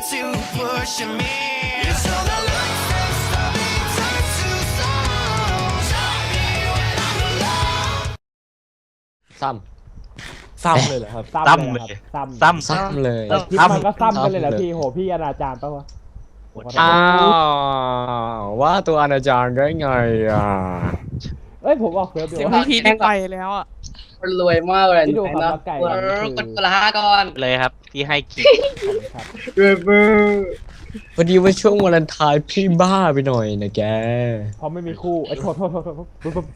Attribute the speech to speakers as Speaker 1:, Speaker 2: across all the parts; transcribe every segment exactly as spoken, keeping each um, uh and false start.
Speaker 1: to push me. So the lights that slowly turn to stone. Show me when I'm alone.
Speaker 2: ซ้ำซ้ำเลยเหรอครับ
Speaker 3: ซ้ำเลยครับ
Speaker 4: ซ้ำ
Speaker 3: ซ้ำ
Speaker 2: ซ้ำเลย
Speaker 3: แล้วคลิปมันก็ซ้ำกันเลยเหรอพี่โหพี่อนาจารปะวะ
Speaker 2: อ้าวว่าตัวอนาจารได้ไงอ่ะ
Speaker 3: เอ้ยผมบอกเฟิร์สเดี๋
Speaker 5: เสี
Speaker 3: ย
Speaker 5: ยง
Speaker 3: ว
Speaker 5: พี่พีได้ไปแล้วอ่ะ
Speaker 6: คนรวยมากเลย
Speaker 3: พี่ดูครับ
Speaker 6: เนาะ
Speaker 3: ว่าไก่
Speaker 6: เออกดคนละห้าก้อน
Speaker 4: เลยครับที่ให้คิด
Speaker 3: ครับ
Speaker 6: เบอร์เบอร์
Speaker 2: พอดีว่าช่วงวาเลนไทน์พี่บ้าไปหน่อยนะแก
Speaker 3: เพราะไม่มีคู่ไอ้ยโทษโทษโทษโทษปุ๊บปุ๊บ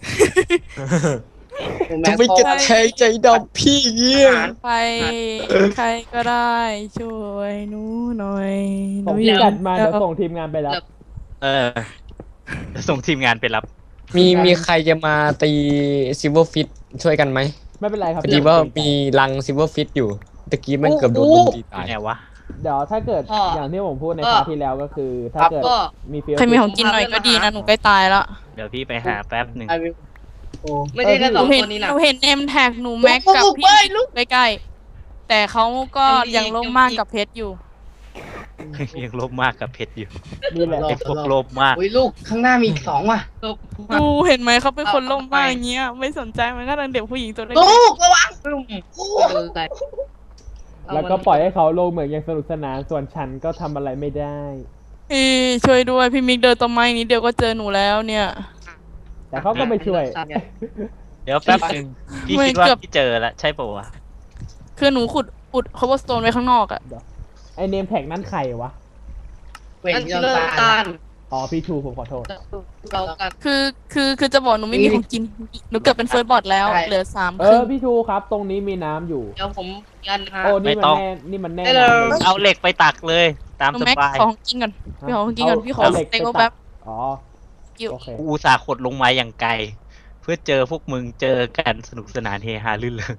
Speaker 2: จะไม่กระแทงใจดำพี่เงี้ย
Speaker 5: ใครใครก็ได้ช่วยหนูหน่อยห
Speaker 3: ผ
Speaker 5: นู
Speaker 3: ม
Speaker 5: อยาก
Speaker 3: จัดมาเดี๋ยวส่งทีมงานไปรับ
Speaker 4: เออส่งทีมงานไปรับ
Speaker 2: มีมีใครจะมาตีซิลเวอร์ฟิตช่วยกันไหม
Speaker 3: ไม่เป็นไรครับ
Speaker 2: พอดีว่ามีรังซิลเวอร์ฟิตอยู่ตะกี้มันเกือบโดนลุมตีตาย
Speaker 4: ไงวะ
Speaker 3: เดี๋ยวถ้าเกิดอย่างที่ผมพูดในคราวที่แล้วก็คือ ถ้าเกิด
Speaker 6: ก็
Speaker 3: มีฟิล
Speaker 5: ใครมีของกินหน่อยก็ดีนะหนูใกล้ตายแล้ว
Speaker 4: เดี๋ยวพี่ไปหาแป๊บหนึ่ง
Speaker 6: ไอวิวโอ้ไม่ใช่แค่
Speaker 5: ห
Speaker 6: ส
Speaker 5: นู
Speaker 6: อง
Speaker 5: เห็น
Speaker 6: คนนี้
Speaker 5: ห
Speaker 6: นะ
Speaker 5: นูเห็นเอ็มแท็กหนูแม็กกับพี่ใกล้ๆแต่เขาก็ยังโลภมากกับเพชรอยู่
Speaker 4: ยังโลภมากกับเพชรอยู่
Speaker 3: นี่แหละ
Speaker 4: ไอ้พวกโลภมาก
Speaker 6: อุ้ยลูกข้างหน้ามีอีกสองว่ะลูก
Speaker 5: ดูเห็นไหมเขาเป็นคนโลภมากอย่างเงี้ยไม่สนใจมันก็ดังเด็กผู้หญิงตัวเล็ก
Speaker 6: ลูกระวังลูก
Speaker 3: แล้วก็ปล่อยให้เขาลงเหมือนยังสนุกสนานส่วนฉันก็ทำอะไรไม่ได้
Speaker 5: พี่ช่วยด้วยพี่มิกเดินต้นไม้นี้เดียวก็เจอหนูแล้วเนี่ย
Speaker 3: แต่เขาก็ไม่ช่วย
Speaker 4: เดี๋ยวแป๊บหนึ่งพี่คิดว่าพี่เจอแล้วใช่ปะวะ
Speaker 5: คือหนูขุดอุด cobblestone ไว้ข้างนอกอะ
Speaker 3: ไอเนมแท็กนั้นใครวะ
Speaker 6: เว้นเรื่องตาล
Speaker 3: อ๋อพี่ชูผมขอโทษ
Speaker 6: เรากัน
Speaker 5: คือคือคือจะบอกหนูไม่มีของกินหนูเกือบเป็นเฟิร์สบอทแล้ว
Speaker 6: ใช่
Speaker 5: เหลือสาม
Speaker 3: เอ
Speaker 5: ครึ่
Speaker 3: อง พี่ชูครับ ตรงนี้มีน้ำอยู่
Speaker 6: เดี๋ยวผมยันฮะ
Speaker 3: โอ้นี่มันแน่นี่มันแน่
Speaker 6: ได้เลย
Speaker 3: น้ำเลย
Speaker 4: เอาเหล็กไปตักเลยตาม
Speaker 5: หนู
Speaker 4: ส
Speaker 5: แม็ก
Speaker 4: บาย
Speaker 5: ขอของกินก่อนพี่ขอของกินก่อนพี่ขอ
Speaker 3: เอาเห
Speaker 5: ส
Speaker 3: ล็ก
Speaker 5: เต็ก
Speaker 3: ไปตัด
Speaker 5: แป๊บ
Speaker 3: อ๋อ
Speaker 5: กิ้ว
Speaker 3: โอเค
Speaker 4: กูอุตสาห์ขดลงมาอย่างไกล เพื่อเจอพวกมึงเจอกันสนุกสนานเฮฮาลื่นเริง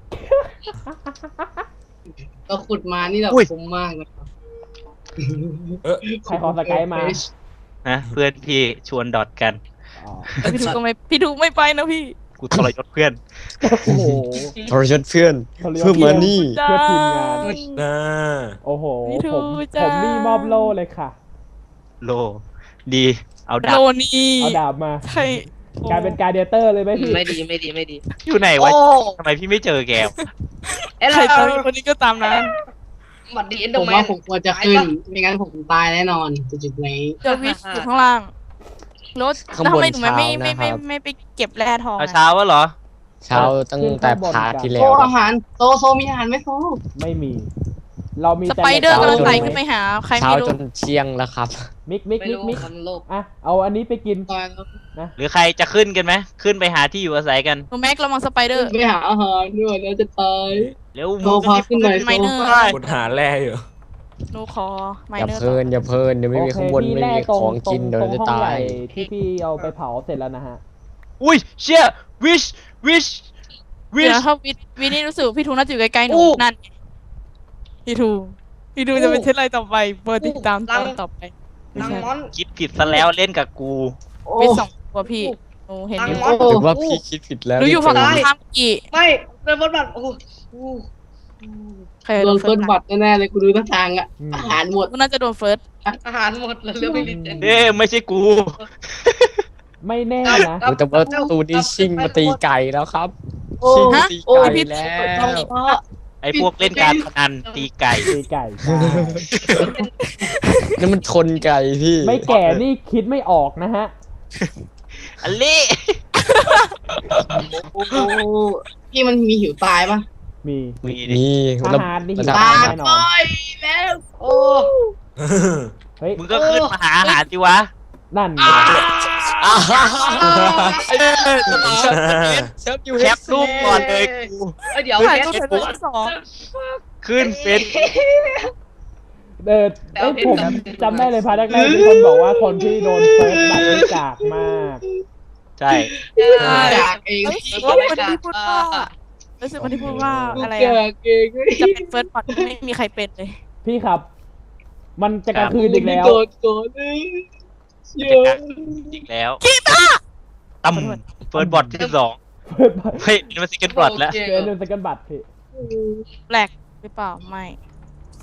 Speaker 6: ก็ขุดมานี่แบบ
Speaker 4: อุ้ย
Speaker 6: คุ้มมากนะครับ
Speaker 3: ใครขอสกายมา
Speaker 4: นะเพื่อนพี่ชวนดอทกัน
Speaker 3: อ๋อ
Speaker 5: แล้วพี่ถูกก็ไม่พี่ถูกไม่ไปนะพี่
Speaker 4: กูทรยศเพื่อน
Speaker 3: โอ้โห
Speaker 2: ทรยศเพื่อนเพื่อมานี่
Speaker 3: เพื่อทีมงาน
Speaker 2: นะ
Speaker 3: โอ้โห
Speaker 5: พี่ทู
Speaker 3: ผม
Speaker 5: จ้า
Speaker 3: ผมนี่มอบโล่เลยค่ะ
Speaker 4: โล ดี เอาดา
Speaker 5: โล
Speaker 4: บ
Speaker 5: นี่
Speaker 3: เอาดาบมา
Speaker 5: ใช่
Speaker 3: กลายเป็นการเดเตอร์เลยไหมพี่
Speaker 6: ไม่ดีไม่ดีไม่ดี
Speaker 4: อยู่ไหนวะ
Speaker 6: โอ้
Speaker 4: ทำไมพี่ไม่เจอแกวะ
Speaker 6: เอ้ย
Speaker 5: ใคร
Speaker 6: เรา
Speaker 5: ตามคนนี้ก็ตามนั้น
Speaker 6: หวัดดีเอ็นโด
Speaker 7: ผม
Speaker 6: แม
Speaker 7: ว่าน ผมควรจะขึ้น ไม่งั้นผมตายแน่นอนจุดๆนี้
Speaker 5: เจอวิชอยู่ข้างล่างรถ
Speaker 2: ข้าง
Speaker 5: แล้ว
Speaker 2: บ
Speaker 5: ทำ
Speaker 2: น
Speaker 5: ไมหนูไม่
Speaker 2: เช้า
Speaker 5: ไม่
Speaker 2: นะ
Speaker 5: ไม่
Speaker 2: ค
Speaker 5: ไม่
Speaker 2: รับ
Speaker 5: ไม่ไปเก็บแร่ทอง
Speaker 4: เอา
Speaker 5: อะ
Speaker 4: เช้าวะเหรอ
Speaker 2: เช้าตั้งแต่พาร์ทที่แล้
Speaker 7: โซ
Speaker 2: ว
Speaker 7: อาหารโซโซมีอาหารไหมโซ
Speaker 3: ไม่มี เรามี
Speaker 5: ส
Speaker 3: แต่
Speaker 5: ไปเดอร์
Speaker 3: ห
Speaker 5: กำ
Speaker 3: ล็
Speaker 5: ลัง
Speaker 3: ก
Speaker 5: ไต่
Speaker 3: เอา
Speaker 5: ขึ้นไปหาใคร
Speaker 2: เช้า
Speaker 5: ไม่รู้
Speaker 2: จนเที่ยงแล้วครับ
Speaker 3: มิกมิก
Speaker 6: ไม่
Speaker 3: มิก
Speaker 6: รู้
Speaker 3: มิก
Speaker 6: มันโลภ
Speaker 3: อ่ะเอาอันนี้ไปกิน
Speaker 7: ตายแล้ว
Speaker 4: หรือใครจะขึ้นกันไหมขึ้นไปหาที่อยู่อาศัยกัน
Speaker 5: หนูแม็กระวังสไปเดอร์
Speaker 7: ไปหาอาหารด้วยแล้วจะตาย
Speaker 4: เร็ว
Speaker 7: โซพาขึ้นหน่อย
Speaker 5: ไมเนอร์
Speaker 7: โซ
Speaker 2: คุณหาแร่อยู่
Speaker 5: หนูขอไม
Speaker 2: อย่า
Speaker 5: เนอร์
Speaker 2: เพลินอย่าเพลินเดี๋ยวไม่มี
Speaker 3: โอเค
Speaker 2: ข้างบน
Speaker 3: พี่
Speaker 2: ไม่
Speaker 3: แร่
Speaker 2: มี
Speaker 3: ตรง
Speaker 2: ของ
Speaker 3: ตร
Speaker 2: กิ
Speaker 3: ง
Speaker 2: นเดี๋ยว
Speaker 3: ตรง
Speaker 2: จะ
Speaker 3: ห้อง
Speaker 2: ตา
Speaker 3: ใหญ่
Speaker 2: ย
Speaker 3: ที่พี่เอาไปเผาเสร็จแล้วนะฮะ
Speaker 4: อุ้ยเชี่ยวิชวิชวิ
Speaker 5: เดี๋
Speaker 4: ช
Speaker 5: ยวถ้าวิวินี่รู้สึกพี่ทูน่าจะอยู่ใกล้ๆหนู
Speaker 4: อู้
Speaker 5: นั่นไงพี่ทูพี่ทูจะเป็นเช่นไรต่อไปเปิดติดตามตอนต่อไปไม่
Speaker 6: นาง
Speaker 5: ใช่
Speaker 6: มอน
Speaker 4: คิดผิดซะแล้วเล่นกับกู
Speaker 7: โอ้
Speaker 5: วิสองตัวพี่หนูเห็นอยู่
Speaker 6: ตังค์
Speaker 2: หรือว่าพี่คิดผิดแล้ว
Speaker 5: หนูอยู่ฝั่ง
Speaker 2: ที่
Speaker 5: ตรง
Speaker 2: เจ
Speaker 5: ข้ามกี่
Speaker 6: ไม่เป็นบทบาทโอ้โห
Speaker 5: ใคร
Speaker 7: โด
Speaker 5: โด
Speaker 7: น
Speaker 5: น
Speaker 7: เฟิ
Speaker 5: เฟิ
Speaker 7: ร์
Speaker 5: ร์
Speaker 7: ส
Speaker 5: ส
Speaker 7: บัตรแน่ๆเลยกูดูท่าทางอะ
Speaker 3: อืม
Speaker 7: อาหารหมด
Speaker 5: กูน่าจะโดนเฟิร์ส
Speaker 6: อาหารหมดแล้วเรื่องไม่รีเจน
Speaker 4: เอ้ยไม่ใช่กู
Speaker 3: ไม่แน่นะ
Speaker 2: โอ้แต่ว่าตูนี่ชิงมาตีไก่แล้วครับ
Speaker 7: โอ้
Speaker 2: ชิงมาตี
Speaker 7: โอ้
Speaker 2: ไก่
Speaker 7: พี่
Speaker 2: แล้ว
Speaker 7: พ่อ
Speaker 4: ไอ้พวกเล่นการพนันตีไก่
Speaker 3: ตีไก่ใช่
Speaker 2: นั่นมันชนไก่พี่
Speaker 3: ไม่แก่นี่คิดไม่ออกนะฮะ
Speaker 4: อันนี้
Speaker 7: โอ้พี่มันมีหิวตายปะ
Speaker 3: มี
Speaker 4: มีดิ
Speaker 2: นี่
Speaker 3: อาหารนี่หิว
Speaker 2: ระดับ
Speaker 3: ตา
Speaker 7: ตาย
Speaker 3: แน่นอ
Speaker 7: ไป
Speaker 3: น
Speaker 7: แล้ว
Speaker 6: โอ้
Speaker 3: เฮ้ย
Speaker 4: มึงก็ขึ้นมาหาอาหารสิวะ
Speaker 3: นั่นไง
Speaker 2: อ่าฮ่าฮ่าฮ่าเชฟอยู่
Speaker 4: แคปรูปก่อนเลยกู
Speaker 6: เอ้ยเดี๋ยว
Speaker 5: ใคร
Speaker 6: เพ
Speaker 5: ก็
Speaker 6: ชร
Speaker 5: เฟิร์สสอง
Speaker 4: ขึ้นเฟซ
Speaker 3: เออเอ้ยผมจำได้เลยพาร์ทแรกๆมีคนบอกว่าคนที่โดนเฟิร์สบัตรนี่กากมาก
Speaker 4: ใช่
Speaker 7: จากเอง
Speaker 5: เอ้ยว่าคนที่พูดว่ารู้สึกคนที่พูดว่าอะไร
Speaker 7: จา
Speaker 5: อะ
Speaker 7: กเองเฮ้ย
Speaker 5: จะเป็นเฟิร์สบอทไม่มีใครเป็นเลย
Speaker 3: พี่ครับ มันจะกลางคืนอีกแล้ว
Speaker 7: โดนโดนเลยเชื่
Speaker 4: จะ
Speaker 7: อ
Speaker 4: กักอีกแล้วตั้มเฟิร์สบอทที่สอง
Speaker 3: เฟิร์สบัตร
Speaker 4: เฮ้ยนี่มันซิกเกิลบอทแล้ว
Speaker 3: เฟิร์สเรื่องสกันบัตรพี่
Speaker 5: แปลกหรือเปล่าไม่
Speaker 3: โ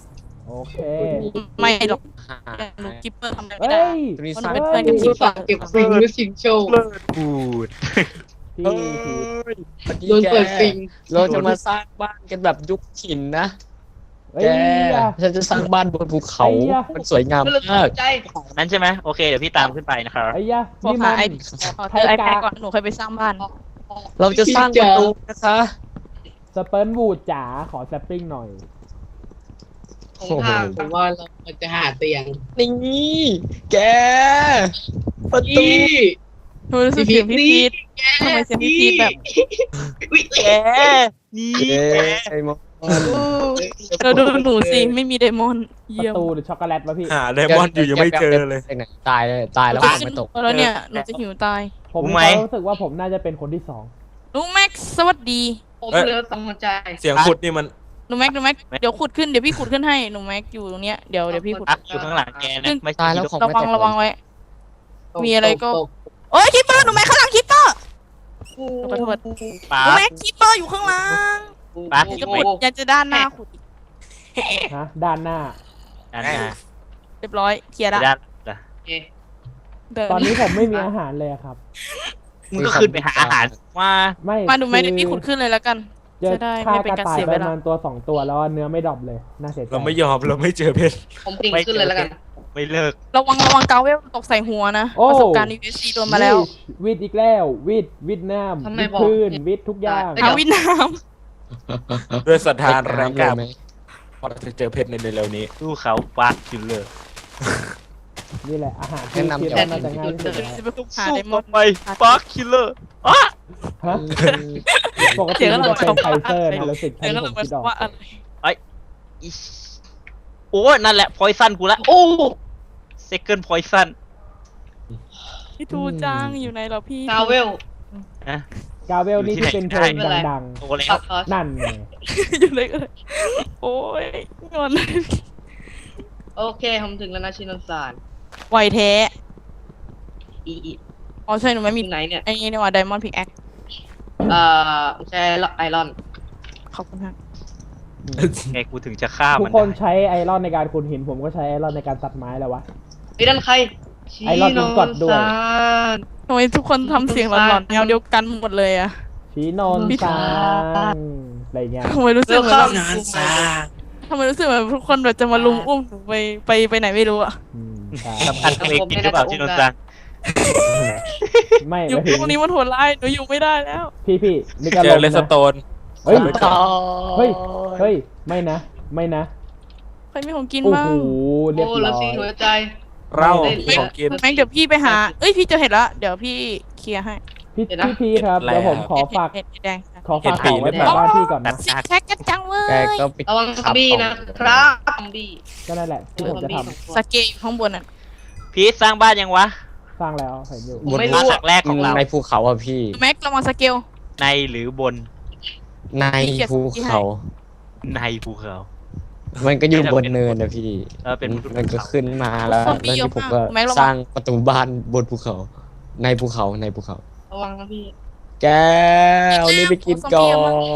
Speaker 3: โอเค
Speaker 5: ไม่หรอกหนูกิปเปอร์ทำอะไรไม่
Speaker 3: เฮ้
Speaker 5: ได้
Speaker 3: ย
Speaker 2: ตัวนี้
Speaker 5: เพราะห
Speaker 2: ส
Speaker 5: นู
Speaker 2: ร้าง
Speaker 5: เป็นเพื่อนกับกิปเปอ
Speaker 7: ฝาก
Speaker 5: ร์
Speaker 7: เก็บฟิงด้วยฟิงโชว์
Speaker 4: พูด
Speaker 3: พี่พี่
Speaker 7: โดนเปิดฟิง
Speaker 2: เราจะมาสร้างบ้านกันแบบยุคหินนะ
Speaker 3: เฮ้ย
Speaker 2: แกฉันจะสร้างบ้านบนภูเขา
Speaker 3: ไอ้ยะ
Speaker 2: มันสวยงาม
Speaker 6: ไม่รู้
Speaker 2: มาก
Speaker 6: ใจ
Speaker 4: นั้นใช่ไหมโอเคเดี๋ยวพี่ตามขึ้นไปนะครับ
Speaker 3: ไอ้ยะ
Speaker 5: ขอ
Speaker 3: นี่
Speaker 5: หา
Speaker 3: มัน
Speaker 5: ไอขอเจอไอแพดก่อนหนูเคยไปสร้างบ้าน
Speaker 2: เราจะสร้างประตูนะคะ
Speaker 3: สเปิร์นวูดจ๋าขอแซปปิ้งหน่อย
Speaker 6: ผมทาง
Speaker 7: ผมว่าเราจะหาเตียง
Speaker 2: นี่แก ประตู
Speaker 7: พี่
Speaker 5: หนูรู้สึกเสียงพี่พีททำไมเสียงพี่พีทแบบ
Speaker 4: แกนี่
Speaker 2: เย้
Speaker 4: แก
Speaker 2: ไอ้มอน
Speaker 5: เธอดูหนูสิไม่มีไดมอนด์
Speaker 3: ป
Speaker 5: เยี่ย
Speaker 3: ระ
Speaker 5: ม
Speaker 3: ตูหรือช็อกโกแลตวะพี่
Speaker 8: หาไดมอนด์อยู่ยังไม่เจอเลย
Speaker 2: ตายเลยตายแล้ว
Speaker 5: หนู
Speaker 2: ผม
Speaker 5: จะ
Speaker 2: ไม่ตก
Speaker 5: แล้วเนี่ยหนูจะหิวตาย
Speaker 3: ผมมีความรู้สึกว่าผมน่าจะเป็นคนที่สอง
Speaker 5: หนูแม็กซ์สวัสดี
Speaker 6: ผมเหลือสองหัวใจ
Speaker 8: เสียงขุดนี่มัน
Speaker 5: หนูแม็กหนูแม็กเดี๋ยวขุดขึ้นเดี๋ยวพี่ขุดขึ้นให้หนูแม็กอยู่ตรงเนี้ยเดี๋ยวเดี๋ยวพี่ขุด
Speaker 4: อักอยู่ข้างหลังแกนะไม่
Speaker 2: ตายแล้ว
Speaker 4: ใช่
Speaker 2: ของ
Speaker 5: ระ
Speaker 2: ไม่
Speaker 5: วัง
Speaker 2: ตก
Speaker 5: ระวังไว้
Speaker 7: ตก
Speaker 5: มีอะไรก็
Speaker 7: ตก
Speaker 5: โอ้ยคิปเปอร์หนูแม็กข้างหลังคิปเปอร์หนูขอโทษ
Speaker 4: ป๊า
Speaker 5: หนูแม็กคิปเปอร์อยู่ข้างหลัง
Speaker 4: ป๊า
Speaker 5: อยากจะขุดอยากจะด้านหน้าขุดอีก
Speaker 3: ฮะ ด้านหน้า
Speaker 4: ด้านหน้า
Speaker 5: เรียบร้อยเคลียร์ละ
Speaker 4: ด้านหลัง
Speaker 6: โอเค
Speaker 5: เดิน
Speaker 3: ตอนนี้ผมไม่มีอาหารเลยอะครับ
Speaker 4: มึงก็ขึ้นไปหาอาหารมา
Speaker 3: ไม่
Speaker 5: มาหนูแม็กเดี๋ยว
Speaker 3: คื
Speaker 5: พี่
Speaker 3: อ
Speaker 5: ขุดขึ้นเลยแล้วกัน
Speaker 3: เจอ
Speaker 5: จะได้
Speaker 3: ฆ่า
Speaker 5: ไม่เป็น
Speaker 3: กระ
Speaker 5: การ
Speaker 3: ต่าย
Speaker 5: เสีย
Speaker 3: ป
Speaker 5: เว
Speaker 3: ระ
Speaker 5: ลา
Speaker 3: มาณตัวสองตัวแล้วเนื้อไม่ดรอปเลย น่าเสียใจ
Speaker 8: เราไม่ยอมเราไม่เจอเพชร
Speaker 6: ผมติ่งขึ้นเลยแล้วกัน
Speaker 4: ไม่เลิก
Speaker 5: ระวังระวังเกาเวลตกใส่หัวนะ
Speaker 3: โอ้
Speaker 5: ประสบการณ์ ยู เอส ซี โดนมาแล้ว
Speaker 3: วิดอีกแล้ววิดวิดน้ำ
Speaker 6: ทำไม
Speaker 3: วิด
Speaker 6: บอก
Speaker 3: พื้นวิดทุกอย่าง
Speaker 6: เดี๋
Speaker 5: เอา
Speaker 6: ยว
Speaker 5: วินน้
Speaker 8: ด้วยศรัทธาแรงกล้า
Speaker 2: ไหม
Speaker 8: พอเราจะเจอเพชรในเร็วๆนี้
Speaker 4: สู้เขาปักอยู่เลย
Speaker 3: นี่แหละอาหารที่คิดว่าน่าจะง่ายที่สุดแล้ว
Speaker 5: ำจะไปคุกหา
Speaker 4: สู้
Speaker 5: ไดมอนด์
Speaker 4: ไปปักคิลเลอร์อ่ะ
Speaker 3: ฮะปกติมันจะเป็นไคเซอร์นะรู้สึก
Speaker 5: เดี๋ยว
Speaker 3: ที่
Speaker 5: ก็
Speaker 3: ผ
Speaker 5: ล
Speaker 3: ม
Speaker 5: งไป
Speaker 3: คิดออก
Speaker 5: ว่าอะไร
Speaker 4: อิชโอ้ยนั่นแหละพอยซันกูละ
Speaker 6: โอ้
Speaker 4: เซคันด์พอยซัน
Speaker 5: พี่ทูจ้างอยู่ในเหราพี่
Speaker 6: กาเวล
Speaker 4: นะ
Speaker 3: กาเวลนี่ที่เป็นเพลงดัง
Speaker 4: โตแล้ว
Speaker 6: ตัดคอร์ส
Speaker 3: ๆ นั่นไง
Speaker 5: อยู่ในเลยโอ้ยงอน
Speaker 6: โอเค ผมถึงแล้วนะชินนสาร
Speaker 5: ไหวแท้
Speaker 6: อีอี
Speaker 5: อ๋อใช่หนูไม่มี
Speaker 6: ที่ไหนเนี่ย
Speaker 5: ไอ้นี่นี่ว่าไดมอนด์พิกแอค
Speaker 6: เอ่อใช้ไอรอน
Speaker 5: ขอบคุณครับ
Speaker 4: ไงกูถึงจะฆ่า
Speaker 3: ทุ
Speaker 4: มั
Speaker 3: ก
Speaker 4: น
Speaker 3: คน
Speaker 4: ได้
Speaker 3: ใช้ไอรอนในการขุดหิน ผมก็ใช้ไอรอนในการตัดไม้แล้ววะ
Speaker 6: ไอ้นั่นใคร
Speaker 3: ไอรอนมันกดด้วย
Speaker 6: ชินนสาร
Speaker 5: ทำไมทุกคนทำเสียงหลอนๆแนวเดียวกันหมดเลยอะ
Speaker 3: ชีโนน
Speaker 6: พี่
Speaker 3: ซางอะไรเงี้ย
Speaker 5: ทำไมรู้สึก
Speaker 6: เร็ว
Speaker 5: เหมือน
Speaker 6: เข้า
Speaker 5: แบบทำไมรู้สึกเหมือนทุกคนแบบจะมาลุมอุ้มหนูไปไปไปไหนไม่รู้อะ
Speaker 3: อืมใช่
Speaker 4: สำคัญตัวเองจริงหรือเปล่าที่โดนจัง
Speaker 3: ไม่
Speaker 5: อยู่
Speaker 3: ไม่ถึง
Speaker 5: ตรงนี้มันโหดร้ายหนูอยู่ไม่ได้แล้ว
Speaker 3: พี่พี่นี่ก็
Speaker 8: เจ
Speaker 3: ล
Speaker 8: อง เลส
Speaker 3: นะ
Speaker 8: โตน
Speaker 3: เฮ้ย
Speaker 2: ต่อ
Speaker 3: เฮ้ย เฮ้ย ไม่นะ ไม่นะ
Speaker 5: ใครมีของกิน
Speaker 3: โอ้
Speaker 5: บ้าง
Speaker 3: โห เรียบ
Speaker 6: โอ้
Speaker 3: ร้
Speaker 6: แล้
Speaker 3: อ
Speaker 6: วย สี่หัวใจ
Speaker 8: เรา
Speaker 6: ไม่
Speaker 8: ของกิน
Speaker 5: แม็กเดี๋ยวพี่ไปหา เอ้ยพี่เจะเห็นละเดี๋ยวพี่เคลียร์ให้
Speaker 3: พี่
Speaker 6: เดี๋ยวนะ
Speaker 3: พี่พีครับ
Speaker 8: แล้
Speaker 3: เดี๋ยว
Speaker 8: ว
Speaker 3: ผมขอฝาก
Speaker 5: เห็ดเห็ดแดง
Speaker 3: ขอฝากของไว้แถวบ้านพี่ก่อนนะ
Speaker 5: ซิกแซกกันจังเว้
Speaker 2: แก
Speaker 5: ย
Speaker 2: ก็ไป
Speaker 6: ระวังซอมบี้นะครับซอมบี้
Speaker 3: ก็นั่นแหละที่ผมจะท
Speaker 5: สเกลอยู่ข้างบนอ่ะ
Speaker 4: พีทสร้างบ้านยังวะ
Speaker 3: ำสร้างแล้วเห็นอยู่
Speaker 6: ผมไม่รู้
Speaker 4: บ้านหลั
Speaker 6: อะ
Speaker 4: กแรกของเรา
Speaker 2: ในภูเขาอ่ะพี่
Speaker 5: แม็กระวังสเกล
Speaker 4: ในหรือบน
Speaker 2: ในภูเขา
Speaker 4: ในภูเขา
Speaker 2: มันก็อยู่บนเนินนะพี่
Speaker 4: เออเป็น
Speaker 2: มันก็ขึ้นมาแล้วแล้วที่ผมก็สร้างประตูบ้านบนภูเขา ในภูเขาในภูเขา
Speaker 6: ระวังนะพี่
Speaker 2: แกเอานี่ไปกินก่อน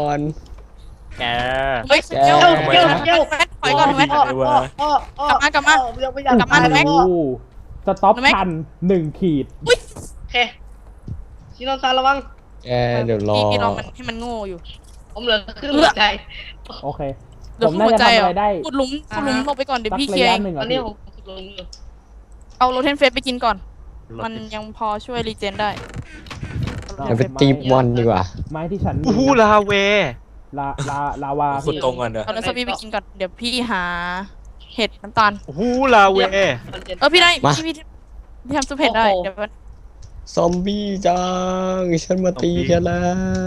Speaker 4: แก
Speaker 5: เฮ้ยสเกล
Speaker 6: เจ้าเจ้าเจ้า
Speaker 5: แม็กถอยก่อนแม็ก
Speaker 6: อ้ออ้ออ้ออ้อก
Speaker 5: ลับมากลับมา
Speaker 6: ยังไม่อยาก
Speaker 5: กลับมา
Speaker 6: ตย
Speaker 5: แม็ก
Speaker 3: โอ้โหสต็อป
Speaker 5: แม็ก
Speaker 3: ทันหนึ่งขีด
Speaker 6: โอเคชินนสารระวัง
Speaker 2: แกเดี๋ยวรอ
Speaker 5: พี่พี่ลองมันให้มันโง่อยู่
Speaker 6: ผมเหลือครึ่งหัวใจ
Speaker 3: โอเค
Speaker 5: เดี๋ยว
Speaker 3: ผม
Speaker 5: หั
Speaker 3: น่าว จะ
Speaker 5: ใจ
Speaker 3: ทำ
Speaker 5: เหร
Speaker 3: อะไร
Speaker 5: อ
Speaker 3: ได้
Speaker 5: ขุดหลุมขุดหลุมลงไปก่อนเดี๋ยว
Speaker 3: สัก
Speaker 5: พี่เค
Speaker 3: ระ
Speaker 5: ลียร์
Speaker 3: ยะ
Speaker 5: เอง
Speaker 3: หนึ่ง
Speaker 6: ตอ
Speaker 3: อ่ะ
Speaker 6: นนี้
Speaker 3: พี่
Speaker 6: ผมลงอยู่
Speaker 5: เอาโรเทนเฟสไปกินก่อน มันยังพอช่วยรีเจนได้
Speaker 2: เดี๋ยวไปตีบอลดีกว่า
Speaker 3: ไม้ที่ฉันมี
Speaker 4: อู้หูลาเว
Speaker 3: ลาลาลาวา
Speaker 8: ขุดตรงก่อนเด้อ
Speaker 5: เอาเนื้อซอมบี้ไปกินก่อน เดี๋ยวพี่หาเห็ดน้ำตาล
Speaker 4: อู้หูลาเว
Speaker 5: เออพี่ได้
Speaker 2: มา
Speaker 5: พี่พี่พี่ทำซุปเห็ดได้เดี๋ยวมัน
Speaker 2: ซอมบี้จังฉันมาตีแกแล้ว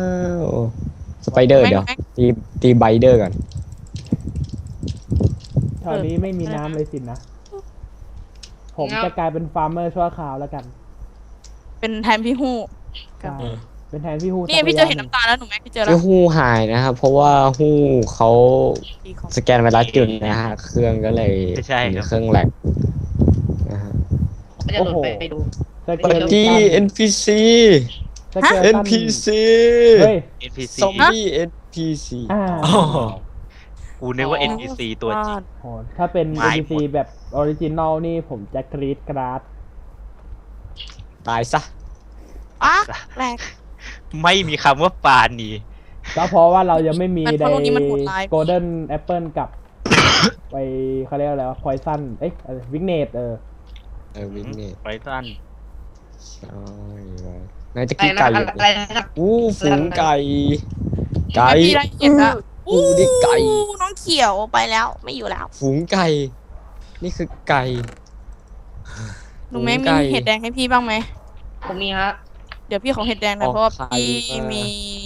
Speaker 2: สไปเดอร์เดี๋ยว
Speaker 5: แม็ก
Speaker 2: ตีตีไบเดอร์ก่อน
Speaker 3: แถวนี้ไม่มีน้ำเลยสินะ ผม
Speaker 6: งับ
Speaker 3: จะกลายเป็นฟาร์มเมอร์ชั่วคราวแล้วกัน
Speaker 5: เป็นแทนพี่ฮู้
Speaker 3: ใช่เป็นแทนพี่ฮู
Speaker 5: นี่พี่เจอเห็ดน้ำตาลแล้วหนูแม็กพี่เจอแล้
Speaker 2: ที่
Speaker 5: ว
Speaker 2: ฮู้หายนะครับ เพราะว่าฮู้เขา
Speaker 5: ดีของ
Speaker 2: สแกนไวรัสจุดนะฮะ เครื่องก็เลย
Speaker 4: ไม่ใช่
Speaker 2: มี
Speaker 4: ครับ
Speaker 2: เครื่องแหลกนะฮะ
Speaker 6: ก็จะหลุดไปไปดู
Speaker 3: สเก
Speaker 2: ปั
Speaker 3: ล
Speaker 2: กกี้ เอ็น พี ซี
Speaker 3: สเกล
Speaker 2: เอ็น พี ซี
Speaker 3: เฮ้ย
Speaker 4: เอ็นพีซี
Speaker 2: ซอมบี้ เอ็น พี ซี
Speaker 3: อ่า
Speaker 8: อ๋อ
Speaker 4: กูนึกว่า
Speaker 5: อ๋
Speaker 4: เอ็
Speaker 5: อ
Speaker 4: น พี ซี ตัวจริง
Speaker 3: โหถ้าเป็น
Speaker 4: ไม่
Speaker 3: เอ็น พี ซี แบบออริจินอลนี่ผมจะกรีดกราด
Speaker 2: ตายซะ
Speaker 5: อ่ะแปลก
Speaker 4: ไม่มีคำว่าปาณี
Speaker 3: ก็เพราะว่าเรายังไม่มี
Speaker 5: มันเพ
Speaker 3: ใน
Speaker 5: ราะตรงนี้มันโหดร้าย
Speaker 3: โกลเด้นแอปเปิลกับ ไปเขาเรียกอะไรวะพอยซันเอ้ยวิกเนตเออ
Speaker 2: เออวิ่งนี่
Speaker 4: ไว้สั้น
Speaker 2: ใช่ว่ะนายจะ
Speaker 6: อะไร
Speaker 2: กิน
Speaker 6: นะ
Speaker 2: ไก่
Speaker 6: อะ
Speaker 2: อยู่
Speaker 6: ไรนะครับ
Speaker 2: อู้ฝูงไก่ ไก่
Speaker 5: พี่ได้เห็นละ
Speaker 2: อู้นี่ไก่
Speaker 5: อู้น้องเขียวไปแล้วไม่อยู่แล้ว
Speaker 2: ฝูงไก่ นี่คือไก่
Speaker 5: ลุงแม่
Speaker 2: ฝู
Speaker 5: มี
Speaker 2: ไก่
Speaker 5: เห็ดแดงให้พี่บ้างไหม
Speaker 6: ผมมีฮะ
Speaker 5: เดี๋ยวพี่ของเห็ดแดงนะ
Speaker 2: ออก
Speaker 5: เพราะว่า
Speaker 2: ไข่
Speaker 5: พี่
Speaker 2: มามี
Speaker 5: มี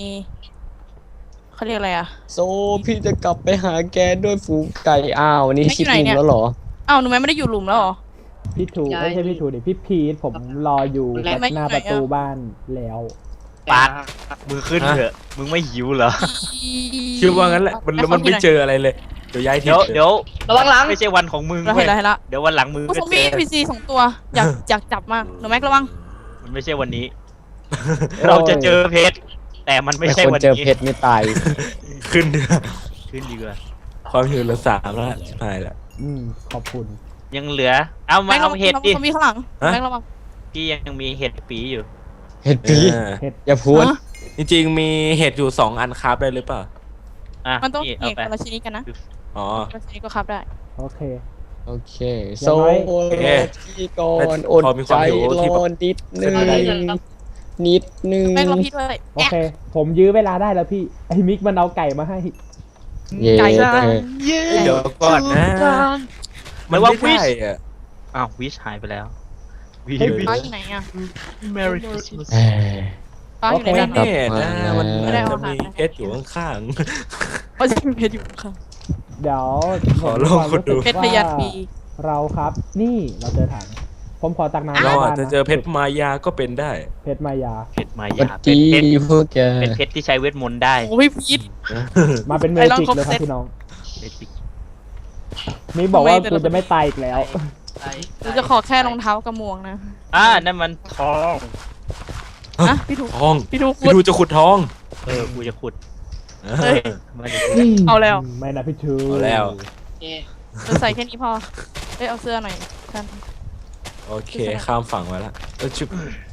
Speaker 5: เขาเรียกอะไรอ่ะ
Speaker 2: โซพี่จะกลับไปหาแกด้วยฝูงไก่อ้าวนี่
Speaker 5: ไม่
Speaker 2: ชิด
Speaker 5: อยู่ไหน
Speaker 2: มุม
Speaker 5: เนี่ย
Speaker 2: แล้วเหรอ
Speaker 5: อ้าวหนูแม่ไม่ได้อยู่หลุมแล้วเหรอ
Speaker 3: พี่ทู
Speaker 6: ย้าย
Speaker 3: ไม่ใช่พี่ทูดิพี่พีทผมรออยู่
Speaker 6: แล้ว
Speaker 3: หน้าประตูบ้านแล้ว
Speaker 4: ปาดมึงขึ้นเถอะ มึงไม่หิวเหรอ
Speaker 8: คิดว่างั้นแหละมันแล้วมันไม่เจออะไรเลย เดี๋ยวย้ายที
Speaker 4: เดี๋ยวเดี๋ยว
Speaker 6: ระวังหลัง
Speaker 4: ไม่ใช่วันของมึง
Speaker 5: เรา
Speaker 4: เว้
Speaker 5: เห็น
Speaker 4: ย
Speaker 5: แล้วเห็นแล้ว
Speaker 4: เดี๋ยววันหลังมึง
Speaker 5: ผู้
Speaker 4: ก็
Speaker 5: ชม
Speaker 4: เจ
Speaker 5: มี
Speaker 4: อ
Speaker 5: พีซีสองตัว อยากอยากจับมากหนูแม็กระวัง
Speaker 4: มันไม่ใช่วันนี้ เราจะเจอเพชรแต่มันไม่
Speaker 2: ไม่
Speaker 4: ใช่
Speaker 2: คน
Speaker 4: วัน
Speaker 2: เจอ
Speaker 4: นี้
Speaker 2: เพชรไม่ตาย
Speaker 8: ขึ้นเดือ
Speaker 4: ขึ้นดีกว่า
Speaker 8: ความหิวเหลือสามแล้วชิบหายแล้ว
Speaker 3: อืมขอบคุณ
Speaker 4: ยังเหลือ เอามา
Speaker 5: แม็กระ
Speaker 4: เอา
Speaker 5: วัง
Speaker 4: เห็ด
Speaker 5: ผู้
Speaker 4: ดิ
Speaker 5: ชมมีข้างหลัง
Speaker 8: ฮะ
Speaker 5: แม็กระวัง
Speaker 4: พี่ยังมีเห็ดปีอยู่
Speaker 2: เห็ดปี
Speaker 8: เออ
Speaker 2: อย่าพูด
Speaker 5: ฮะ
Speaker 8: จริงๆมีเห็ดอยู่สองอันคราฟได้หรือเปล่า
Speaker 4: อ่ะ
Speaker 5: มันต้อง
Speaker 4: นี่
Speaker 5: เห็
Speaker 4: เอา
Speaker 5: ด
Speaker 4: ไป
Speaker 5: คนละชนิดกันนะ
Speaker 8: อ๋อ
Speaker 5: คนละชนิดก็ครับได้
Speaker 3: โอเค
Speaker 2: โอเค
Speaker 3: อย่า
Speaker 2: โซ
Speaker 3: งน้อย
Speaker 2: โล
Speaker 8: โอเค
Speaker 2: ที่ก่อน
Speaker 8: พ
Speaker 2: อด
Speaker 8: อมีค
Speaker 2: ใจ
Speaker 8: วามหิว
Speaker 2: ร
Speaker 8: ที่แบบ
Speaker 2: อนิดนึง
Speaker 8: เป็นไปได้
Speaker 2: นิดนึง
Speaker 5: แม็กระพี่ด้วย
Speaker 3: โอเค ผมยื้อเวลาได้แล้วพี่ไอ้มิกมันเอาไก่มาให้
Speaker 2: เย้
Speaker 5: ไก่
Speaker 2: โอเค
Speaker 8: เดี๋ยวก่อนนะ
Speaker 4: ไม่ว่า
Speaker 8: ไม่ได้อะ
Speaker 4: อ้าววิชหายไปแล้ววิ
Speaker 3: เฮ้ย
Speaker 5: ป้าอยู่ไหนอ่ะ
Speaker 4: Merry Christmas
Speaker 2: เอ้ย
Speaker 5: ป้าอยู่ไหน
Speaker 8: ไม่
Speaker 5: กัน
Speaker 8: แน่นะมัน
Speaker 2: ไม่ได้
Speaker 8: อาจ
Speaker 5: เอา
Speaker 8: จะมี
Speaker 5: หา
Speaker 8: เห็ดอยู่ข้าง
Speaker 5: ป้าจะมีเพชรอยู่ค่ะ
Speaker 3: เดี๋ยว
Speaker 8: ขอลองคุณดู
Speaker 3: ผมมี
Speaker 5: เพชร
Speaker 3: ควา
Speaker 5: พ
Speaker 3: ม
Speaker 5: ยัญ
Speaker 3: รู้
Speaker 5: ปี
Speaker 3: สึกว่าเราครับ นี่เราเจอถัง ผมขอตักน้ำ
Speaker 8: ๆเราอาจ
Speaker 3: บ้น
Speaker 8: จะ
Speaker 3: น
Speaker 8: เจอเพชรมายาก็เป็นได้
Speaker 3: เพชรมายา
Speaker 4: เพชรมา
Speaker 2: สวั
Speaker 4: ยา
Speaker 2: ส
Speaker 4: เป็น
Speaker 2: ดี
Speaker 4: เพชร
Speaker 2: พวกแก
Speaker 4: เป็นเพชรที่ใช้เวทมนต์ได้
Speaker 5: โอ้ยพีท
Speaker 3: มาเป็นเม
Speaker 5: ไอ้ลอง
Speaker 3: จิก
Speaker 5: ครบ
Speaker 3: เลยครั
Speaker 5: เซ็
Speaker 3: บ
Speaker 5: ต
Speaker 3: พี่น้อง
Speaker 4: เบสิก
Speaker 3: มิกบอกว่า
Speaker 5: ทำไมแต่
Speaker 3: กู
Speaker 5: ละ
Speaker 3: จะไม่ตายอีกแล้ว
Speaker 5: หนูจะขอแค่รองเท้ากับหมวกนะ
Speaker 4: อ่านั่นมันทอง
Speaker 5: นะพี่ถูก
Speaker 8: ทอง
Speaker 5: พี่ถูก
Speaker 8: พี่ดูจะขุดทอง
Speaker 4: เออ กูจะขุด
Speaker 5: เฮ้ย
Speaker 4: มาดิ
Speaker 5: เอาแล้ว
Speaker 3: ไม่นะพี่ชู
Speaker 8: เอาแล้ว
Speaker 6: โอเค
Speaker 5: จะใส่แค่นี้พอเอ้ยเอาเสื้อหน่อยกัน
Speaker 8: โอเค ข้ามฝั่งมาแล้วเออชุบ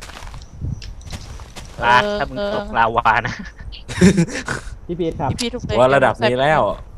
Speaker 4: ปาดถ้ามึงตกลาวานะ
Speaker 3: พี่พีทครับ
Speaker 5: พี่พี่ถูกเลย
Speaker 8: ว่าระดับนี้แล้ว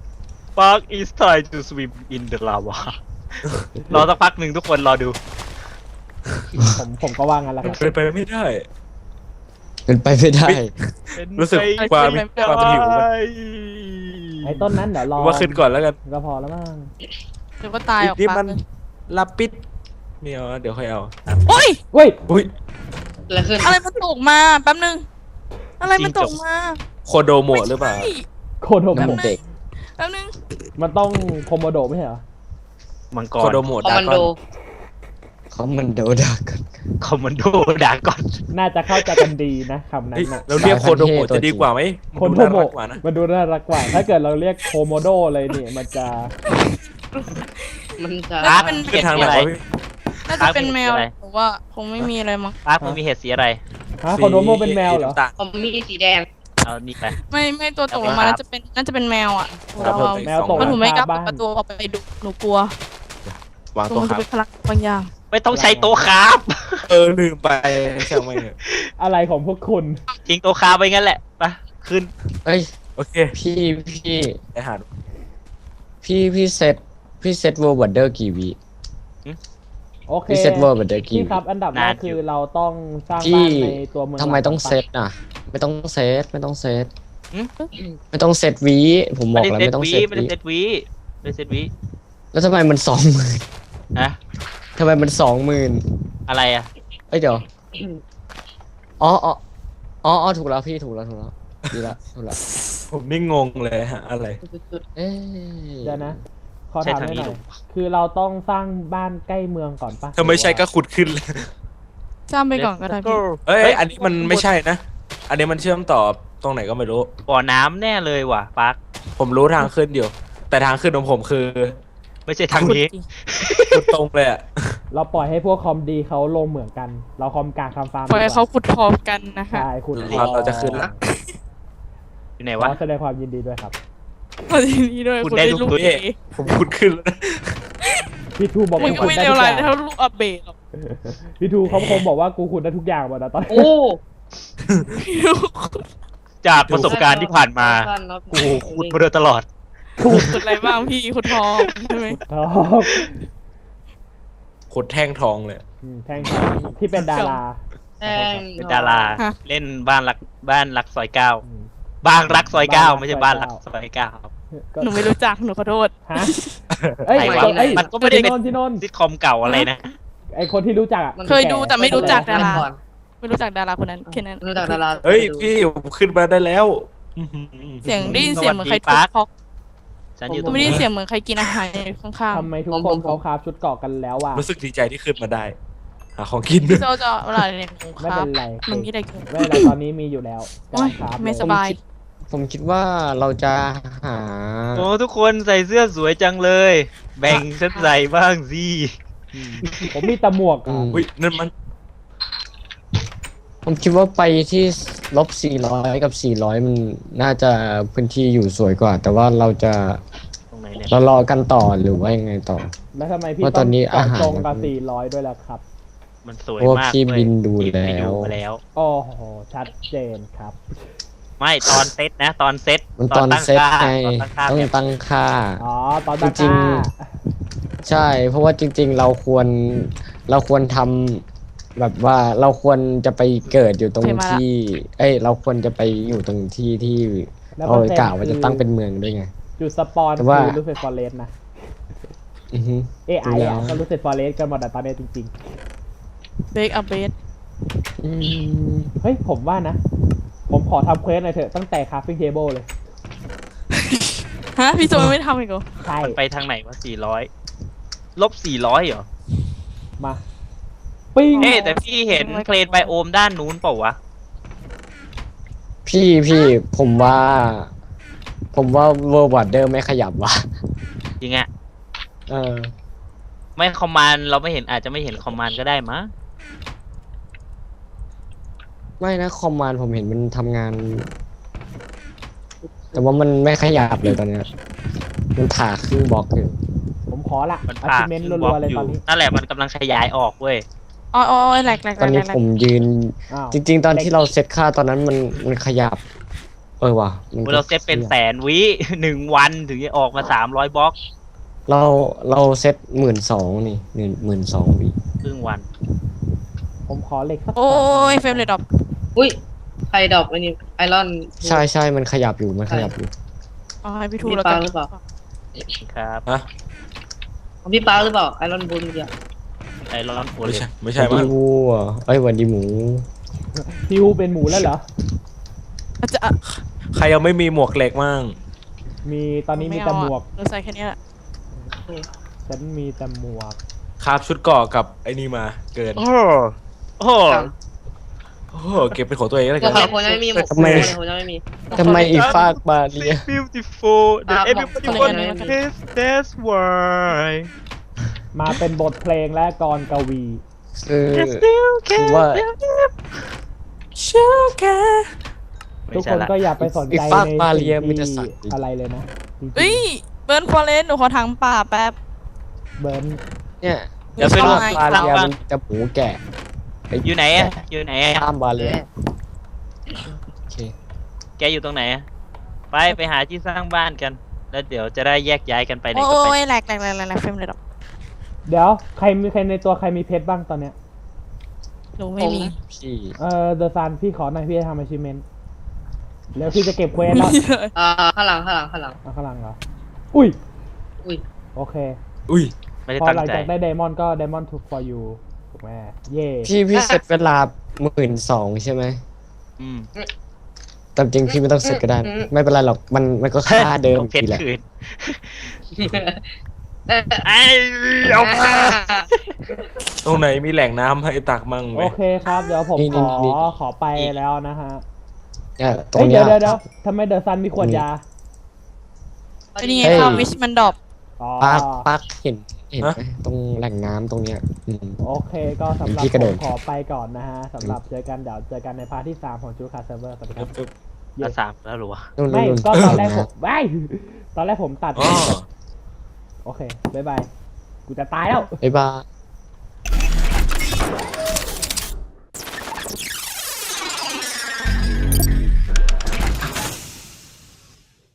Speaker 4: Park is time to swim in the lava รอสักพักหนึ่งทุกคนรอดู
Speaker 3: ผมผมก็ว่างั้นแหละครับ
Speaker 8: เป็นไปไม่ได้
Speaker 2: เป็นไปไม่ได้
Speaker 8: รู้สึกความความหิวมัน
Speaker 3: ไอ้ต้นนั้นเดี๋ยวรอ
Speaker 8: ว่าขึ้นก่อนแล้วกัน
Speaker 3: ก็พอแล้วมั้ง
Speaker 5: เดี๋ยวก็ตายออก
Speaker 8: นี่
Speaker 5: ปาก
Speaker 8: มัน
Speaker 5: เลย
Speaker 8: ลาปิดไม่เอาเดี๋ยวค่อยเอา
Speaker 5: โอ้ย
Speaker 3: เว้ย
Speaker 8: อุ้ย
Speaker 6: อะไรขึ้น
Speaker 5: อะไรมันตกมาแป๊บนึง อะไรมันตกมา
Speaker 8: โคโดโมะหรือเปล่า
Speaker 5: ไม่ใช่
Speaker 3: โคโดโมะ
Speaker 2: น้ำเด็ก
Speaker 5: แป๊บนึง
Speaker 3: มันต้องโคโมโดไม่ใช่เหรอ
Speaker 4: มังก
Speaker 8: โค
Speaker 4: ร
Speaker 8: โดโมะ
Speaker 6: คอม
Speaker 8: ดาม
Speaker 6: าน
Speaker 8: ก
Speaker 6: โด
Speaker 8: อน
Speaker 2: เขามันโดดากัน
Speaker 4: คอมมานโดดาก่อน
Speaker 3: น่าจะเข้าใจกันดีนะคำนั้
Speaker 8: เฮ้ย
Speaker 3: นนะ
Speaker 8: เราเรียกโคโดโมะจะดีกว่าไหม
Speaker 3: โค
Speaker 8: มัน
Speaker 3: โด
Speaker 8: ดูน่า
Speaker 3: โม
Speaker 8: รักกว่านะ
Speaker 3: มันดูน่ารักกว่า ถ้าเกิดเราเรียกโคโมโดเลยเนี่ยมันจะ
Speaker 6: มันจะ
Speaker 5: น่าจะเป็น
Speaker 8: ขึ้นทางไหนวะพี่
Speaker 5: น่าจะเป็นแมวหรือว่าคงไม่มีอะไรมั้ง
Speaker 4: ปาร์คมึงมีเห็ดสีอะไร
Speaker 3: ฮะโคโดโมเป็นแมวเหรอ
Speaker 8: สีน้ำตาล
Speaker 6: ผมมีสีแดง
Speaker 4: เอานี่ไป
Speaker 5: ไม่ไม่ตัวตกลงมาน่าจะเป็นน่าจะเป็นแมวอ่ะ
Speaker 8: ครับ
Speaker 5: เรา
Speaker 8: ผม
Speaker 3: แมวตก
Speaker 5: เพราะหนูไม่กล้า
Speaker 3: บ้
Speaker 5: เปิดประตูออกไปดูหนูกลัว
Speaker 8: วาง
Speaker 5: กลั
Speaker 8: ตัว ว
Speaker 5: มัน
Speaker 8: ค
Speaker 5: จะ
Speaker 8: รับ
Speaker 5: เป็นพลังบางอย่าง
Speaker 4: ไม่ต้องใช้โต๊ะครับ
Speaker 8: เออลืมไปช่างไม่เถอะ
Speaker 3: อะไรของพวกคุณ
Speaker 4: ทิ้งโต๊ะคาไปงั้นแหละไปขึ้น
Speaker 2: เอ้ย
Speaker 8: โอเค
Speaker 2: พี่พี่
Speaker 8: ไปหาดู
Speaker 2: พี่พี่เซตพี่เซตเวอร์บัตเดอร์กี่วิ
Speaker 3: โอเค
Speaker 2: พี่เซตเวอร์บัตเดอร์กี่
Speaker 3: พี่
Speaker 2: วิ
Speaker 3: ครับ อันดับแรกคือเราต้องสร้าง
Speaker 2: พี่
Speaker 3: บ้านในตัวเมือง
Speaker 2: ทำไมต้อง
Speaker 3: หลัก
Speaker 2: เซตน่ะ ไม่ต้องเซตไม่ต้องเซต
Speaker 4: หืม
Speaker 2: ไม่ต้องเซตวิผมบ
Speaker 4: ไม่
Speaker 2: อก
Speaker 4: ได้
Speaker 2: แล้ว
Speaker 4: เซต
Speaker 2: ไม่ต้อง
Speaker 4: วี
Speaker 2: เซต
Speaker 4: ไม่ได้
Speaker 2: วิ
Speaker 4: เซตวีไม่ได้เซตวี
Speaker 2: แล้วทำไมมันสองหมื่น
Speaker 4: นะ
Speaker 2: ทำไมมันสองหมื่น
Speaker 4: อะไรอ่ะ
Speaker 2: เอ้ยเดี๋ยวอ๋ออ๋ออ๋ออ๋อถูกแล้วพี่ถูกแล้วถูกแล้วดีละถูกแล้ว
Speaker 8: ผมนี่งงเลยฮะอะไร
Speaker 2: เอ้ย
Speaker 3: เดี๋ยวนะ ขอ
Speaker 4: ใช่
Speaker 3: ถาม
Speaker 4: ทาง
Speaker 3: ห
Speaker 4: นี้
Speaker 3: น่อ
Speaker 4: ถู
Speaker 3: ย
Speaker 4: ก
Speaker 3: คือเราต้องสร้างบ้านใกล้เมืองก่อนปะ
Speaker 8: ถ้าไม่ใช่ก็ขุดขึ้นเลย
Speaker 5: จ้ามไปก่อนก็ได้พี่
Speaker 8: เอ้ย อันนี้มันไม่ใช่นะ อันนี้มันเชื่อมต่อตรงไหนก็ไม่รู้
Speaker 4: บ่อน้ำแน่เลยว่ะปาร์ค
Speaker 8: ผมรู้ทางขึ้นอยู่ แต่ทางขึ้นของผมคือ
Speaker 4: ไม่ใช่ทางนี้
Speaker 8: ขุดตรงเลยอะ
Speaker 3: เราปล่อยให้พวกคอมดีเขาลงเหมือนกัน เราคอมกลางคำฟาร์ม
Speaker 5: ปล่อยให้เขาขุดพร้อมกันนะคะ
Speaker 3: ใช่คุณ
Speaker 8: เราเราจะขึ้นละ
Speaker 4: อยู่ไหน
Speaker 3: ข
Speaker 4: วะ
Speaker 3: อแสดงความยินดีด้วยครับ
Speaker 5: มาทีนี้ด้วย
Speaker 4: คุณ
Speaker 5: คุณ
Speaker 4: ได้
Speaker 5: ได้
Speaker 4: ลู
Speaker 5: ลู
Speaker 4: ก
Speaker 5: ก
Speaker 4: ตัว
Speaker 5: เอ
Speaker 4: เอง
Speaker 8: ผมพูดขึ้นแล้วนะ
Speaker 3: พี่ทูบอก
Speaker 5: มันก็
Speaker 3: กู
Speaker 5: ไม่
Speaker 3: ขุด
Speaker 5: เลว
Speaker 3: ได้
Speaker 5: ร้าย
Speaker 3: ทุกอ
Speaker 5: เท่า
Speaker 3: ย่าง
Speaker 5: ลูกอัปเบตหรอก
Speaker 3: พี่ทูเขาคงบอกว่ากูขุดได้ทุกอย่างหมดนะตอนนี้
Speaker 6: โอ้
Speaker 4: จากประสบการณ์ที่ผ่านมา
Speaker 6: สั้นๆครับ
Speaker 4: กูขุดมาโดยตลอด
Speaker 5: ขุดอะไรบ้างพี่ขุดทองใช่ไหม
Speaker 3: ครับ
Speaker 8: ขุดแท่งทองเลย
Speaker 3: อืมแท่งที่เป็นดารา
Speaker 6: แท่ง
Speaker 4: เป็นดาราเล่นบ้านรักบ้านรักซอยเก้าบ้านรักซอยเก้าไม่ใช่บ้านรักซอยเก้า
Speaker 3: ก็
Speaker 5: หนูไม่รู้จักหนูขอโทษ
Speaker 3: ฮะเอ้ย
Speaker 4: ไหนวะ
Speaker 3: เอ้ย
Speaker 4: มันก็ไม่ได้
Speaker 3: ที่
Speaker 4: เป็น
Speaker 3: นนท์ที่นนท์
Speaker 4: ซิทคอมเก่าอะไรนะ
Speaker 3: ไอคนที่รู้จักอะ
Speaker 6: มัน
Speaker 5: เคยดูแต่ไม่รู้จักดารา
Speaker 6: ก่อน
Speaker 5: ไม่รู้จักดาราคนนั้นแค่นั้น
Speaker 6: ไม่รู้จักดารา
Speaker 8: เฮ้ยพี่ผมขึ้นมาได้แล้วอื้อหือ
Speaker 5: เสียงได้ยินเสียงเหมือนใคร
Speaker 4: สวัสดี
Speaker 5: ทุบ
Speaker 4: ปาร์ค
Speaker 5: พอก
Speaker 4: ฉันอยู่ตร
Speaker 5: ก็
Speaker 4: ง
Speaker 5: ไม่ได้ยิ
Speaker 4: นี้
Speaker 5: นเสียงเหมือนใครกินอาหารอยู่ข้าง
Speaker 3: ทำไมทุกคนเขาคราฟชุดเกราะกันแล้วอ่ะ
Speaker 8: รู้สึกดีใจที่ขึ้นมาได้หาของกิน
Speaker 5: ๆพี่โจจะเวลาเรียนหนูค
Speaker 3: ไม่
Speaker 5: รั
Speaker 3: เป็
Speaker 5: บ
Speaker 3: นไร
Speaker 5: หนูที่ได้กิน
Speaker 3: ไม่เป็นไรตอนนี้มีอยู่แล้ว
Speaker 5: โอ๊ย
Speaker 3: กำลังคราฟ
Speaker 5: ไม่
Speaker 3: เลย
Speaker 5: สบาย
Speaker 2: ผมคิดว่าเราจะหา
Speaker 4: โอ้ทุกคนใส่เสื้อสวยจังเลย แบ่งฉันใส่บ้างสิ
Speaker 3: อืมผมมีแต่หมวก
Speaker 2: อื
Speaker 3: อ่ะ
Speaker 2: ม
Speaker 8: อุ้ยนั่นมัน
Speaker 2: ผมคิดว่าไปที่ลบสี่ร้อยกับสี่ร้อยมันน่าจะพื้นที่อยู่สวยกว่า แต่ว่าเราจะ
Speaker 4: ตรงไหนเนี่ย
Speaker 2: เรารอกันต่อหรือว่ายังไงต่อ
Speaker 3: แล้วทำไมพี่
Speaker 2: เพราะ
Speaker 3: ต้
Speaker 2: ต
Speaker 3: อ
Speaker 2: อง นนี้
Speaker 3: เจาะ
Speaker 2: อาหาร
Speaker 3: จงกับสี่ร้อยด้วยล่ะครับ
Speaker 4: มันสวย
Speaker 2: เพราะว่าม
Speaker 4: าก
Speaker 2: พี่
Speaker 4: เว้ย
Speaker 2: บินดู
Speaker 4: พี่ไป
Speaker 2: แล้ว
Speaker 4: มาแล้ว
Speaker 3: โอ้โหชัดเจนครับ
Speaker 4: ไม่ตอนเซตนะ ตอนเซต
Speaker 2: มันตอน
Speaker 4: ตั้ง
Speaker 2: เซต
Speaker 4: ค่า
Speaker 2: ไง
Speaker 4: ตอนตั้งค่า
Speaker 2: ต้อง
Speaker 4: แบบ
Speaker 2: ตั้งค่า
Speaker 3: อ๋อตอนตะ
Speaker 2: จริ
Speaker 3: ก
Speaker 2: ง
Speaker 3: ร้า
Speaker 2: ใช่ เพราะว่าจริง ๆ เราควรเราควรทำแบบว่าเราควรจะไปเกิดอยู่ตรง
Speaker 5: โอเคมาละ
Speaker 2: ที่ เอ้ย เราควรจะไปอยู่ตรงที่ที่
Speaker 3: แล้ว
Speaker 2: เรา
Speaker 3: มันเป็น
Speaker 2: กล่าวว่าจะตั้งเป็นเมืองด้วยไง
Speaker 3: จุดสปอน
Speaker 2: แต่ว่า
Speaker 3: คือรูเฟตฟอเรสนะ
Speaker 2: อือฮึ
Speaker 3: เอไอ
Speaker 2: ดูแล้
Speaker 3: อ่ะ
Speaker 2: ว
Speaker 3: ก็รูเฟตฟอเรสกันหมดอะตอนนี้จริง
Speaker 5: เบรกอัปเบต
Speaker 2: อืม
Speaker 3: ๆ เฮ้ยผมว่านะ ผมขอทำเควสหน่อยเถอะตั้งแต่คาฟิ้งเทเบิลเลย
Speaker 5: ฮะพี่โจไม่ทำอีกเหรอ
Speaker 3: ใช่
Speaker 4: มันไปทางไหนวะสี่ร้อยลบสี่ร้อยเหรอ
Speaker 3: มาปิ้ง
Speaker 4: เอ๊ะแต่พี่เห็นเพลนไบโอมด้านนู้นเปล่าวะ
Speaker 2: พี่พี่ผมว่า ผมว่าเวอร์วัดเดอร์ไม่ขยับว่ะ
Speaker 4: จริงอะ
Speaker 2: เออ
Speaker 4: ไม่คอมมานด์เราไม่เห็นอาจจะไม่เห็นคอมมานด์ก็ได้มั้ง
Speaker 2: ไม่นะคอมมานด์ผมเห็นมันทำงาน แต่ว่ามันไม่ขยับเลยตอนเนี้ยมันผ่าครึ่งบล็อกอยู่
Speaker 3: ผมขอละ
Speaker 4: มัน
Speaker 3: อา
Speaker 4: ผ่า
Speaker 3: ชิเมนต์
Speaker 4: ขึ้นบ
Speaker 3: รั
Speaker 4: ล็อ
Speaker 3: ว
Speaker 4: ก
Speaker 3: ๆเลย
Speaker 4: อ
Speaker 3: ตอยู่ นนี้
Speaker 4: นั่นแหละมันกำลังขยายออกเว้ย
Speaker 5: อ๋ออ๋อแหลกแหลกแห
Speaker 2: ต
Speaker 5: ล
Speaker 2: อน
Speaker 5: กแหล
Speaker 2: นี้
Speaker 5: กแหล
Speaker 2: ผ
Speaker 5: ก
Speaker 2: มยืน
Speaker 3: อ้าว
Speaker 2: จริง ๆ ตอนที่เราเซตค่าตอนนั้นมันมันขยับ เออว่ะมันก็
Speaker 4: เราเซตเป็นแสนวิ หนึ่งวันถึงจะออกมาสามร้อยบล็อก
Speaker 2: เราเราเซตหมื่นสองนี่หนึ่งหมื่นสองวิ
Speaker 4: ครึ่งวัน
Speaker 3: ผมขอเหล็กสัก
Speaker 5: โอ้ยเฟรมเรทดรอป
Speaker 6: อุ้ยใครดอกอันนี้ไอรอน
Speaker 2: ใช่ใช่มันขยับอยู่มันขยับอยู่
Speaker 5: อ๋อให้พี่ทู
Speaker 6: มี
Speaker 5: แล้ว
Speaker 6: ป
Speaker 5: กั
Speaker 6: ลาน หรือเปล่า
Speaker 4: ครับ
Speaker 8: ฮะ
Speaker 6: ของพี่ปาหรือเปล่าไอรอนบูนเมื่อกี้
Speaker 4: ไอรอนโอ
Speaker 8: ไม่
Speaker 4: เล
Speaker 8: ใช่
Speaker 4: ย
Speaker 8: ไม่ใช่
Speaker 2: วั
Speaker 8: มั้
Speaker 2: น
Speaker 8: ง
Speaker 2: ดีวัวเอ้ยวันดีหมู
Speaker 3: พิวเป็นหมูแล้วเหรอ
Speaker 5: อาจจะ
Speaker 8: ใครยังไม่มีหมวกเหล็กมั่ง
Speaker 3: มีตอนนี้มีแต่หมวก
Speaker 5: หนูใส่แค่นี้แหละ
Speaker 3: ฉันมีแต่หมวก
Speaker 8: คราบชุดเกราะกับไอ้นี่มาเกิน
Speaker 4: โอ้โหโอ้โห
Speaker 8: โอ้โหเก็บเป็นของตัวเองแล้ว
Speaker 6: โอ
Speaker 8: กัน
Speaker 6: เคคนยังไม่มีหมวก
Speaker 2: ทำไม
Speaker 6: คนยังไม่มี
Speaker 2: ทำไมอีฟากมาเรีย
Speaker 4: beautiful
Speaker 6: that
Speaker 4: everybody
Speaker 6: want
Speaker 4: this that's why
Speaker 3: มาเป็นบทเพลงและกรกวี
Speaker 2: คือคือว่า
Speaker 4: ไม่
Speaker 3: ทุก
Speaker 4: ใช่
Speaker 3: คน
Speaker 4: ละ
Speaker 3: ก็อย่าไปสนใจ
Speaker 2: อีฟาก
Speaker 3: ใน
Speaker 2: มาเรีย
Speaker 3: สิ่ง
Speaker 2: มันจะ
Speaker 3: ที่
Speaker 2: สั่นดิ
Speaker 3: อะไรเลยนะจริงๆ
Speaker 5: เอ้ยเบิร์นฟอเรสหนูขอถังป่าแป๊บ
Speaker 3: เบิร์น
Speaker 2: เนี่ย
Speaker 4: เดี๋ยวไป
Speaker 2: อี
Speaker 4: ดู
Speaker 2: ฟากมาเรียมันจะหมูแกะ
Speaker 4: อยู่ไหนอะอยู่ไหนอะ
Speaker 2: ข้ามบาเรียโอเค
Speaker 4: แกอยู่ตรงไหนอะไปไปหาที่สร้างบ้านกัน แล้วเดี๋ยวจะได้แยกย้ายกันไปไหน
Speaker 5: โอ้
Speaker 4: ก็ไป
Speaker 5: ยแหลกแหลกแหลกแหลกแหลกเฟรมเรทดรอป
Speaker 3: เดี๋ยวใครมีใครในตัวใครมีเพชรบ้างตอนเนี้ย
Speaker 5: หนูไม่มี
Speaker 2: พี่
Speaker 3: เออเดอะซันพี่ขอหน่อยพี่จะทำ achievement แล้วพี่จะเก็บเควสแล้ว
Speaker 6: อ่าข้างหลังข้างหลังข้างหลัง
Speaker 3: เอาข้างหลังเหรอ อุ้ย
Speaker 6: อุ้ย
Speaker 3: โอเค
Speaker 8: อุ้ย
Speaker 4: ไม่ได้
Speaker 3: พอ
Speaker 4: ตั้ง
Speaker 3: หลัง
Speaker 4: ใจ
Speaker 3: จากได้ไดมอนด์ก็ไดมอนด์ took for you ถูกไหมเย่
Speaker 2: พี่พี่เซตเวลาหมื่นสองใช่ไหม
Speaker 4: อืม
Speaker 2: แต่จริงพี่ไม่ต้องเซตก็ได้ ไม่เป็นไรหรอกมันมันก็ค่าเดิม
Speaker 4: ต้องเพช
Speaker 2: ที
Speaker 4: ร
Speaker 2: แหละ
Speaker 4: คืน
Speaker 6: เอ้ย
Speaker 4: ไอ้เอามา
Speaker 8: ตรงไหนมีแหล่งน้ำให้ตักมั่งไหม
Speaker 3: โอเคครับ เดี๋ยวผมขอขอไปแล้วนะฮะ
Speaker 2: เนี่ยตร
Speaker 3: เฮ้
Speaker 2: ง
Speaker 3: ย
Speaker 2: เนี้
Speaker 3: เดี๋ยวย เดี๋ยวเดี๋ยวทำไมเดอะซันมีขวดยา
Speaker 5: ไอ้นี่ไง
Speaker 2: เฮ้ย
Speaker 5: ข้าววิชมันดรอป
Speaker 3: อ๋อ
Speaker 2: ปักปักเห็นเห็นไหมตรงแหล่งน้ำตรงเนี้ยอืม
Speaker 3: โอเคก็สำหรับ
Speaker 2: พี่กระ
Speaker 3: ผ
Speaker 2: โด
Speaker 3: ม
Speaker 2: ด
Speaker 3: ขอไปก่อนนะฮะสำหรับเจอกันเดี๋ยวเจอกันในพาร์ทที่สามของจูคาเซิร์ฟเวอร์สวัสดีครับ
Speaker 4: มาสามแล้วหรอวะ
Speaker 2: นู่น
Speaker 3: ไม่
Speaker 2: นู่น
Speaker 3: ก็ตอนแรกผม
Speaker 2: ะ
Speaker 3: ไม่ตอนแรกผมตัด
Speaker 8: อ๋อ
Speaker 3: โอเค บ๊ายบาย กูจะตายแล้ว
Speaker 2: บ๊ายบาย